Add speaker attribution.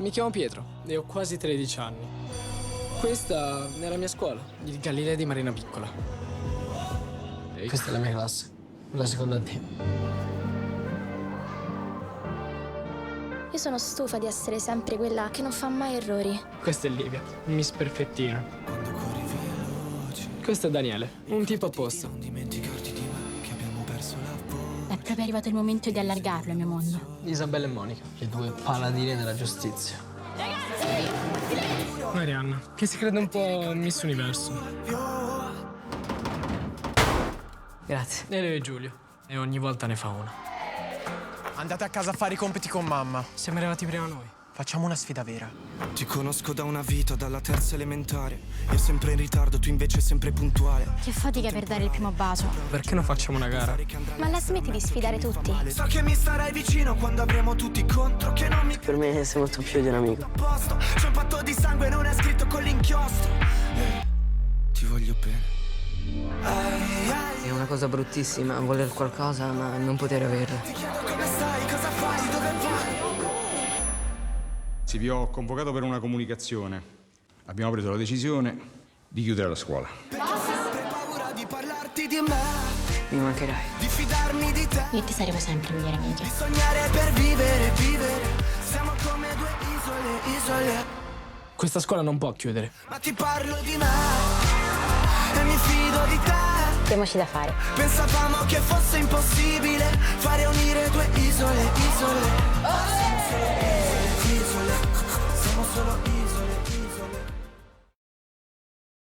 Speaker 1: Mi chiamo Pietro e ho quasi 13 anni. Questa è la mia scuola, il Galileo di Marina Piccola. Questa è la mia classe, la seconda D.
Speaker 2: Io sono stufa di essere sempre quella che non fa mai errori.
Speaker 1: Questa è Livia, Miss Perfettina. Questo è Daniele, un tipo a posto.
Speaker 3: È proprio arrivato il momento di allargarlo il mio mondo.
Speaker 1: Isabella e Monica, le due paladine della giustizia. Marianna, che si crede un po' Miss Universo.
Speaker 4: Grazie.
Speaker 1: E lei è Giulio, e ogni volta ne fa una.
Speaker 5: Andate a casa a fare i compiti con mamma.
Speaker 1: Siamo arrivati prima noi.
Speaker 5: Facciamo una sfida vera.
Speaker 6: Ti conosco da una vita, dalla terza elementare. Io sempre in ritardo, tu invece sempre puntuale.
Speaker 3: Che fatica per dare il primo bacio.
Speaker 1: Perché non facciamo una gara?
Speaker 2: Ma la smetti di sfidare tutti?
Speaker 6: So che mi starai vicino quando avremo tutti contro. Che non mi
Speaker 4: Per me sei molto più di un amico.
Speaker 6: posto. C'è un patto di sangue, non è scritto con l'inchiostro. Ti voglio bene.
Speaker 4: È una cosa bruttissima voler qualcosa ma non poter averla.
Speaker 6: Ti chiedo come stai, cosa fai, dove vai.
Speaker 7: Sì, vi ho convocato per una comunicazione. Abbiamo preso la decisione di chiudere la scuola.
Speaker 6: Ho paura di parlarti di me,
Speaker 4: Mi mancherai.
Speaker 6: di fidarmi di te.
Speaker 3: Io e te saremo sempre i migliori amici.
Speaker 6: Di sognare per vivere, vivere. Siamo come due isole, isole.
Speaker 1: Questa scuola non può chiudere.
Speaker 6: Ma ti parlo di me e mi fido di te.
Speaker 3: Diamoci da fare.
Speaker 6: Pensavamo che fosse impossibile fare unire due isole, isole. Siamo solo isole, isole. Siamo solo isole.